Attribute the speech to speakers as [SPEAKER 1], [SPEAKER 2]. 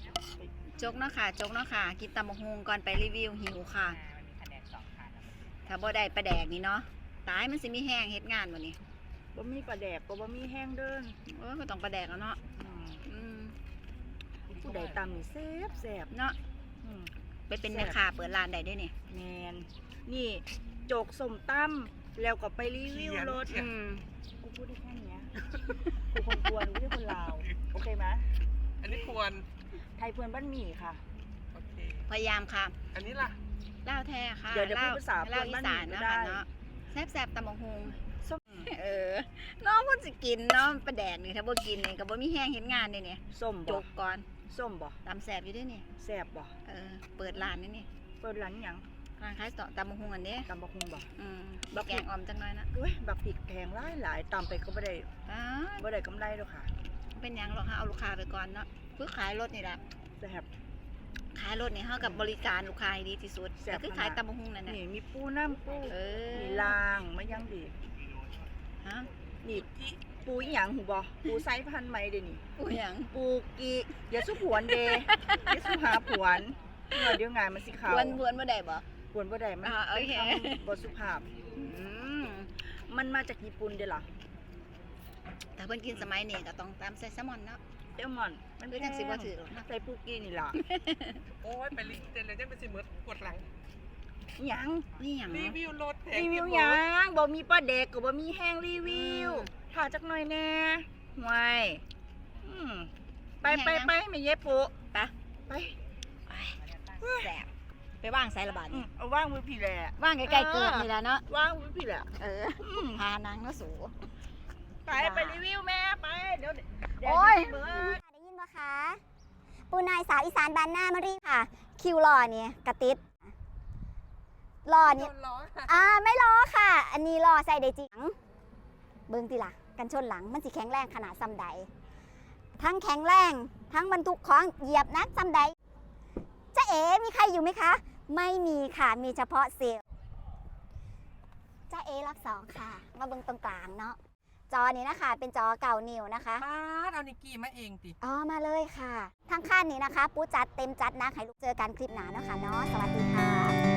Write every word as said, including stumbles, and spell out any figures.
[SPEAKER 1] จกเนาะค่ะจกเนาะค่ะกินตำบักหุ่งก่อนไปรีวิวหิวค่ะถ้าบ่ได้ปลาแดกนี่เนาะตายมันสิมีแห้งเฮ็ดงานบ่นี่
[SPEAKER 2] บ่มีปลาแดกก็บ่มีแห้งเด้อ
[SPEAKER 1] เออก็ต้องปลาแดกแล้วเนาะอืม
[SPEAKER 2] ผู้ใดตำนี่แซ่บแซ่บ
[SPEAKER 1] เนาะไปเป็นแม่ค้าเปิดร้านได้ด้วยนี่
[SPEAKER 2] แมนนี่โจกสมตำแล้วก็ไปรีวิวรถกูพูดได้แค่นี้กูคนกวนกูไม่ใช่คนลาวโอเคไหม
[SPEAKER 3] อันนี้ควร
[SPEAKER 2] ไทยเพื่อนบ้านหมี่ค่ะ
[SPEAKER 3] โอเค
[SPEAKER 1] พยายามค่ะ
[SPEAKER 3] อันนี้ล่ะ
[SPEAKER 1] เล่าแท้ค่ะ
[SPEAKER 2] เดี๋ยวเดี๋ยวพูดภาษา
[SPEAKER 1] เล่าอีสานเนาะค่ะเนาะแซ่บๆตำบักหุ่งเออน้องมันสิกินเนาะปลาแดกนี่ถ้าบ่กินนี่ก็บ่มีแห้งเห็นงานนี่เนี่ย
[SPEAKER 2] ส้ม
[SPEAKER 1] จกก่อน
[SPEAKER 2] ส้มบ่
[SPEAKER 1] ตำแซ่บอยู่ด้วยนี่
[SPEAKER 2] แซ่บบ่
[SPEAKER 1] เออเปิดร้านนี่นี่
[SPEAKER 2] เปิดร้านหยัง
[SPEAKER 1] ร้านขายต่อตำบักหุ่งอันนี้
[SPEAKER 2] ตำบักหุ่งบ่
[SPEAKER 1] อืมบักแกงอ่อมจังเลยนะ
[SPEAKER 2] เว้ยบักผิดแพงหลายหลายตำไปก็ไม่ได้ไม่ได้กำไรหรอกค่ะ
[SPEAKER 1] เป็นยังหรอกค่ะเอาลูกค้าไปก่อนเนาะเพื่อขายรถนี่แหละ
[SPEAKER 2] แซ่บ
[SPEAKER 1] ขายรถนี่เท่ากับบริการลูกค้าดีที่สุดแต่คือขายตำบักหุ่งนั่นน่ะ
[SPEAKER 2] นี่มีปูน้ำปู
[SPEAKER 1] เออ
[SPEAKER 2] มีลางมันยังดี
[SPEAKER 1] ฮะ
[SPEAKER 2] นี่ปูอีหยังหูบ่ปูไซส์พันไหมเดี๋ยวนี้
[SPEAKER 1] ปูหยัง
[SPEAKER 2] ปูกีเดี๋ยวสู้ผวนเดย์เดี๋ยวสู้หาผวนเดี๋ยวงานมันสิขาว
[SPEAKER 1] ผวนผวนบ่ได้บ่
[SPEAKER 2] ผวนบ่ได้มันเป็นคำบทสุภาพมันมาจากญี่ปุ่นเด้อล่ะ
[SPEAKER 1] แต่เพิ่นกินสมัยนี้ก็ต้องตามใส่แซลมอนเนาะ
[SPEAKER 2] แซลมอน
[SPEAKER 1] มันคือจังสิบ่ถือ
[SPEAKER 2] ใส่ปูกีนี่ล่ะ
[SPEAKER 3] โอ้ยไปรีวิวเลยยังเป็นสิเหมือนปวดหลัง
[SPEAKER 2] หยัง
[SPEAKER 1] นี่หยัง
[SPEAKER 3] รีวิวรถ
[SPEAKER 2] รีวิวหยังบ่มีปลาแดกก็บ่มีแห้งรีวิวถ่าจักหน่อยแน่ห่วยไปไปไปไม่เย็บปู
[SPEAKER 1] ไป
[SPEAKER 2] ไป
[SPEAKER 1] แสบไปว่างสายระบาดนี่
[SPEAKER 2] เอาว่างมือพี่แหละ
[SPEAKER 1] ว่างใกล้ๆเกิดนี่แหละเนาะ
[SPEAKER 2] ว่างมือพี่แหละ
[SPEAKER 1] เออพานางเนาะสู
[SPEAKER 2] ไปไปรีวิวแม่ไปเดี๋ยว
[SPEAKER 1] โอ้ย
[SPEAKER 4] ได้ยินปะคะปูนายสาวอีสานบ้านหน้ามารีค่ะคิวรอเนี่ยกระติดรอเนี่ยอ่าไม่รอค่ะ อันนี้รอใส่ได้จริงเบิ้งตีละกันชนหลังมันสิแข็งแรงขนาดซ้ำใดทั้งแข็งแรงทั้งบรรทุกของเหยียบนักซ้ำใดจะเอ๋มีใครอยู่ไหมคะไม่มีค่ะมีเฉพาะเซลล์จะเอ๋รอบสองค่ะมาเบิ้งตรงกลางเนาะจอนี้นะคะเป็นจอเก่านิวนะคะ
[SPEAKER 3] ป้าเอานิกกี้มาเองติ
[SPEAKER 4] อ๋อมาเลยค่ะทั้งขั้นนี้นะคะปูจัดเต็มจัดนะให้ลูกเจอกันคลิปหนาเนาะค่ะเนาะสวัสดีค่ะ